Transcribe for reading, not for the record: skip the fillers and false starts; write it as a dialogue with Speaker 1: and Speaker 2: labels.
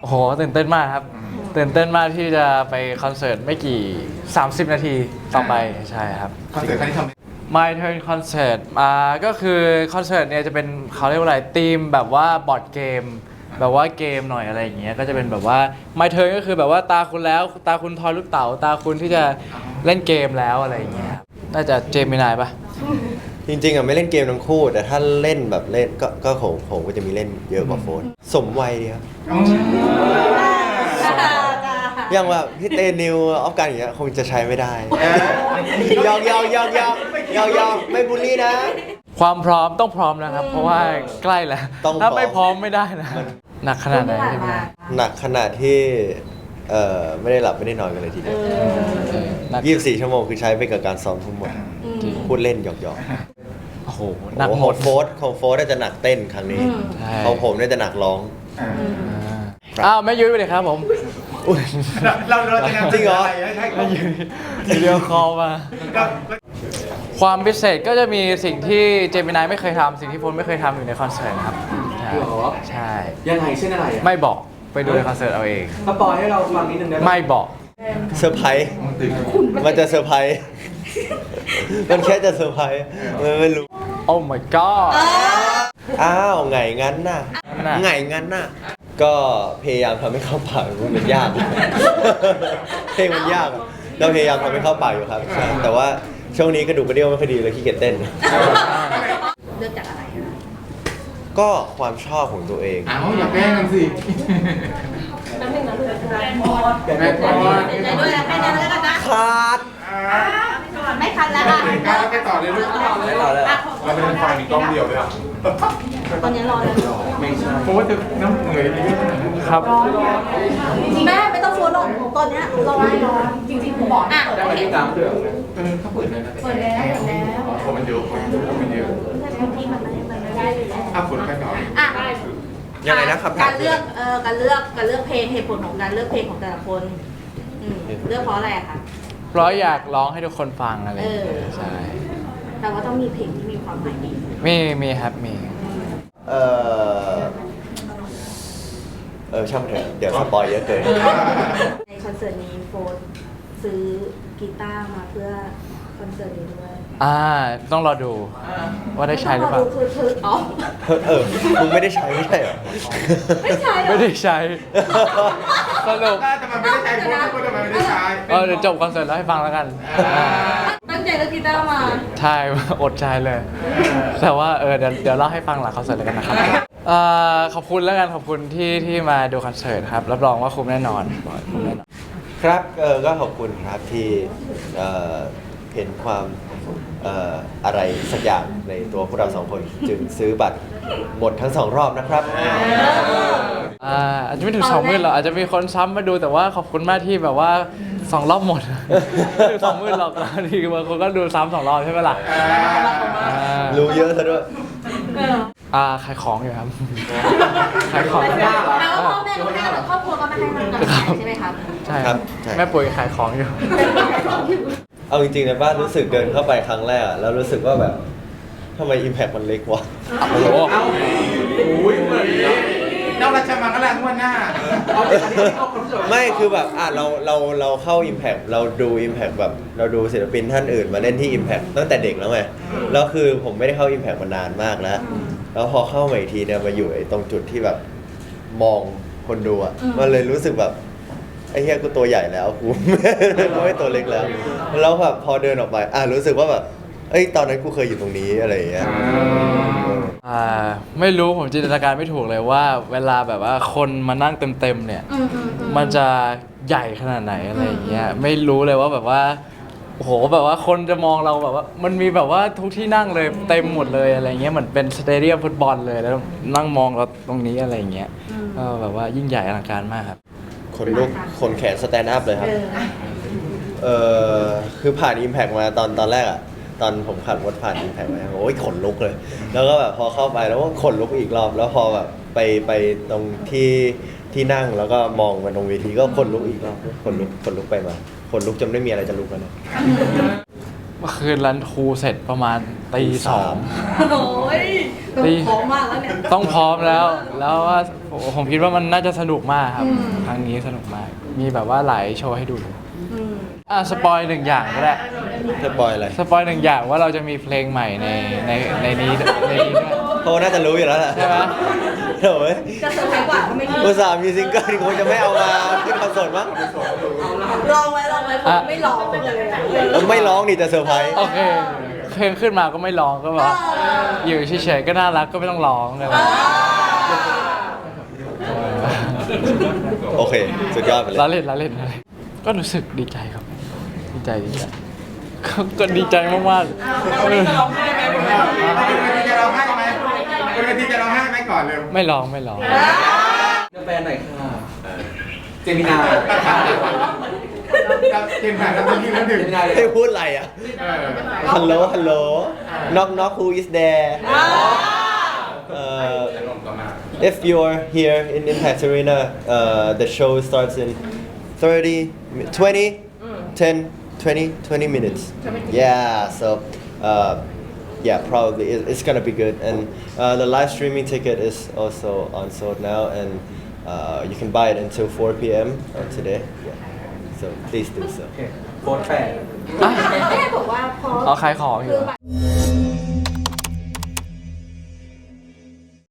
Speaker 1: โอ้โหตื่นเต้นมากครับตื่นเต้นมากที่จะไปคอนเสิร์ตไม่กี่30 นาทีต่อไปใช่ครับ
Speaker 2: คอนเสิร์ตครั้งนี้ทำ
Speaker 1: My Turn Concert ก็คือคอนเสิร์ตเนี่ยจะเป็นเขาเรียกว่าอะไรธีมแบบว่าบอร์ดเกมแบบว่าเกมหน่อยอะไรอย่างเงี้ยก็จะเป็นแบบว่า My Turn ก็คือแบบว่าตาคุณแล้วตาคุณทอยลูกเต๋าตาคุณที่จะเล่นเกมแล้วอะไรอย่างเงี้ยน่าจะเจมินายปะ
Speaker 3: จริงๆอ่ะไม่เล่นเกมทั้งคู่แต่ถ้าเล่นแบบเล่นก็ของผมก็จะมีเล่นเยอะกว่าโฟนสมวัยดีครับอย่างว่าพี่เตนิวออฟกันอย่างเงี้ยคงจะใช้ไม่ได้ยอกไม่บูลลี่นะ
Speaker 1: ความพร้อมต้องพร้อมนะครับ เพราะว่าใกล้แล้ว
Speaker 3: ต้องพร้อม
Speaker 1: ถ้าไม่พร้อมไม่ได้นะหนักขนาดไหนใช่ไหม
Speaker 3: หนักขนาดที่ไม่ได้หลับไม่ได้นอนกันเลยทีเดียว
Speaker 1: หนัก
Speaker 3: 24 ชั่วโมงคือใช้ไปกับการซ้อมทั้งหมดพูดเล่นหยอก
Speaker 1: โอ้โห
Speaker 3: ๆ
Speaker 1: หนัก
Speaker 3: โอ้
Speaker 1: ห
Speaker 3: โห
Speaker 1: มด
Speaker 3: ของโฟร์น่าจะหนักเต้นครั้งนี้
Speaker 1: ใช่
Speaker 3: ของผมน่าจะหนักร้อง
Speaker 1: อ้าวแม่ยุ้ยไปเลยครับผม
Speaker 2: เราจะนำ
Speaker 3: จริงเหรอ
Speaker 2: ให้เขา
Speaker 1: วิดีโอคอลมา
Speaker 2: ก็
Speaker 1: ความพิเศษก็จะมีสิ่งที่เจมินายไม่เคยทำสิ่งที่พลไม่เคยทำอยู่ในคอนเสิร์ตครับใช่
Speaker 4: หรอ
Speaker 1: ใช่
Speaker 4: ยังไงเช่นอะไรอ่ะ
Speaker 1: ไม่บอกไปดูในคอนเสิร์ตเอาเอง
Speaker 4: สปอยให้เราฟังนิดนึงได้ไหม
Speaker 1: ไม่บอก
Speaker 3: เซอร์ไพรส์มันจะเซอร์ไพรส์มันแค่จะเซอร์ไพรส์มันไม่รู้
Speaker 1: โอ้ my god
Speaker 3: อ้าวไงงั้นน่ะ
Speaker 1: น่ะ
Speaker 3: ไงงั้นน่ะ ก็พยายามทำให้เข้าปากมันยาก เพลงมันยากอะเราพยายามทำให้เข้าปากอยู่ครับใช่แต่ว่าช่วงนี้กระดูกกระเดี่ยวไม่ค่อยดีเลยขี้เกียจเต้น
Speaker 5: เลือกจากอะไรคะ
Speaker 3: ก็ความชอบของตัวเอง
Speaker 2: อ้าวอย่าแกล้งกันสิ
Speaker 5: แป๊บนึงนะลูก
Speaker 2: แม่พอ
Speaker 5: เดี๋ยวด้วยนะแค่นั้นแล้วกันนะ
Speaker 3: ขาด
Speaker 5: ไม่ทันแล้วอ่ะ
Speaker 2: ไปต่อเลยลูก
Speaker 3: เราเป็นไฟมีกล้องเดียวด้วย
Speaker 5: ตอนนี้รอเลย
Speaker 2: เพราะว่าจะน้ำเหนื่อยนิด
Speaker 1: ครับ
Speaker 5: แม่ไม่ต้องโฟนหรอกตอนนี้รอให้รอจริงๆผมบอกอ่ะโอเค
Speaker 2: เขาเปิดเลยนะ
Speaker 5: เปิดแล้ว
Speaker 2: คนมันเยอะคนเยอะ
Speaker 5: ที่มันไม่ได้อยู่แล้ว
Speaker 2: อ่ะฝนไปต่อ
Speaker 5: อ่ะ
Speaker 3: ยังไงนะคำถาม
Speaker 5: การเลือกการเลือกเพลงเหตุผลของการเลือกเพลงของแต่ละคนเลือกเพราะอะไรอะคะ
Speaker 1: เพราะอยากร้องให้ทุกคนฟังอะไรอย่างเงี้ยใช่
Speaker 5: แต่ว่าต้องมีเพลงที่มีความหมายดี
Speaker 1: มีครับมี
Speaker 3: เออช่างมันเถอะเดี๋ยวสปอยเยอะเกิน
Speaker 5: ในคอนเสิร์ตนี้โฟนซื้อกีตาร์มาเพื่อคอนเสิร์ตนี้ด้วย
Speaker 1: ต้องรอดูว่าได้ใช้หรือเปล่า
Speaker 5: คืออ๋อ
Speaker 3: มึงไม่ได้ใช้ไม่ใช่เหรอ
Speaker 5: ไม่ใช่หรอ
Speaker 1: ไม่ได้ใช้ สรุป
Speaker 2: แต่มันไม่ได้ใช้พูดแต่มันไม่ได้ใช้
Speaker 1: เดี๋ยวจบคอนเสิร์ตแล้วให้ฟังแล้วกัน
Speaker 5: ตั้งใจเลือกกีตาร์มา
Speaker 1: ใช่ อดใช้เลย แต่ว่าเดี๋ยวเล่าให้ฟังหลังคอนเสิร์ตแล้วกันนะครับขอบคุณแล้วกันขอบคุณที่มาดูคอนเสิร์ตครับรับรองว่าคุ้มแน่นอนคุ้มแน่นอน
Speaker 3: ครับก็ขอบคุณครับที่เห็นความอะไรสักอย่างในตัวพวกเราสองคน จึงซื้อบัตรหมดทั้งสองรอบนะครับ
Speaker 1: อาจจะไม่ถึง20,000หรอกอาจจะมีคนซ้ำมาดูแต่ว่าขอบคุณมากที่แบบว่า2 รอบหมด ไม่ถึง20,000หรอกบางทีบางคนก็ดูซ้ำ2 รอบใช่ไหมล่ะ
Speaker 3: รู้เยอะซะด้วย
Speaker 1: ขายของอยู่ครับ ขายของ
Speaker 5: แปลว่าพ่อแม่ก็ไม่ให้ครอบครัวก็ไม่ให้มันกำลังใจใช่ไหมครับ
Speaker 1: ใช่
Speaker 3: ครับใช่
Speaker 1: แม่ปุ๋ยขายของอยู่
Speaker 3: เอาจริงๆนะบ้านรู้สึกเดินเข้าไปครั้งแรกอะแล้วรู้สึกว่าแบบทำไม Impact มันเล็กวะ
Speaker 1: โอ้โห
Speaker 2: เอ้าอุ้ยเหมือนเราราชมังคลาทั่วหน้า
Speaker 3: ไม่คือแบบเราเข้า Impact เราดู Impact แบบเราดูศิลปินท่านอื่นมาเล่นที่ Impact ตั้งแต่เด็กแล้วไงแล้วคือผมไม่ได้เข้า Impact มานานมากแล้วแล้วพอเข้ามาอีกทีเนี่ยมาอยู่ไอ้ตรงจุดที่แบบมองคนดูอ่ะมันเลยรู้สึกแบบไอ้เหี้ยกูตัวใหญ่แล้วกู ไม่ตัวเล็กแล้วแล้วแบบพอเดินออกไปรู้สึกว่าแบบเอ้ยตอนนั้นกูเคยอยู่ตรงนี้อะไรอย่างเงี้ย
Speaker 1: ไม่รู้ผมจินตนาการไม่ถูกเลยว่า เวลาแบบว่าคนมานั่งเต็มๆเนี่ย มันจะใหญ่ขนาดไหนอะไรอย่างเงี้ยไม่รู้เลยว่าแบบว่าโอ้โหแบบว่าคนจะมองเราแบบว่ามันมีแบบว่าทุกที่นั่งเลยเต็มหมดเลยอะไรเงี้ยเหมือนเป็นสเตเดียมฟุตบอลเลยแล้วนั่งมองเราตรงนี้อะไรอย่างเงี้ยก็แบบว่ายิ่งใหญ่อลังการมากครับ
Speaker 3: คนลุกคนแขนสแตนด์อัพเลยครับคือผ่าน Impact มาตอนแรกอ่ะตอนผมขับรถผ่าน Impact มาโอ้ยขนลุกเลย แล้วก็แบบพอเข้าไปแล้วก็ขนลุกอีกรอบแล้วพอแบบไปตรงที่นั่งแล้วก็มองมาตรงเวทีก็ขนลุกอีกรอบขนลุกไปมาขนลุกจนไม่มีอะไรจะลุกแล้วเนี่ย
Speaker 1: เมื่อคืนรันทรูเสร็จประมาณตี 2
Speaker 5: โอ้ยต้องพร้อมมากแล้วเนี่ย
Speaker 1: ต้องพร้อมแล้วว่าผมคิดว่ามันน่าจะสนุกมากครับ
Speaker 5: อืม
Speaker 1: ครั้งนี้สนุกมาก มีแบบว่าหลายโชว์ให้ดู
Speaker 5: อืม
Speaker 1: สปอยหนึ่งอย่างก็ได้
Speaker 3: สปอยอะไร
Speaker 1: สปอยหนึ่งอย่างว่าเราจะมีเพลงใหม่ในนี้ด้วย
Speaker 3: เพราะว่าน่าจะรู้อยู่แล้วแหละ
Speaker 1: ใช่ไหม
Speaker 3: โถ่เอ้ย
Speaker 5: จะเซอร์ไพรส์กว่าก็ไม่มี
Speaker 3: อุตส่าห์มีซิงเกิลคงจะไม่เอามาขึ้นคอนเสิร์ตมั้ง
Speaker 5: ลองไว้ผมไม่ลองเลยอะ
Speaker 3: แล้วไม่ร้องนี่จะเซอร์ไพรส์
Speaker 1: โอเคเพลงขึ้นมาก็ไม่ร้องก็แบบอยู่เฉยๆก็น่ารักก็ไม่ต้องร้องอะไร
Speaker 3: โอเค สุดยอดไปเลย
Speaker 1: ละเล่นก็รู้สึกดีใจครับ ดีใจก็ดีใจมากๆ
Speaker 2: เป็นเวทีจะร้องไห้ไหมเป็นเวทีจะร้องไห้ไหมก่อนเลย
Speaker 1: ไม่ร้อง
Speaker 4: แฟนหน่อยค่ะเจมินา
Speaker 2: เกมผ่านแล้วทีแล้วหนึ่ง
Speaker 4: เจมินาเลย
Speaker 3: ให้พูดอะไรอ่ะ ฮัลโหล ฮัลโหล knock knock who is there if you're here in Impact Arena the show starts in 20 minutes yeah so yeah probably it's gonna be good and the live streaming ticket is also on sold now and you can buy it until 4 p.m. Today yeah so please do so
Speaker 4: โฟร์แฟน
Speaker 5: ไม่ได้บอกว่าพอ
Speaker 1: เอาขายของอยู่
Speaker 5: คือแบบ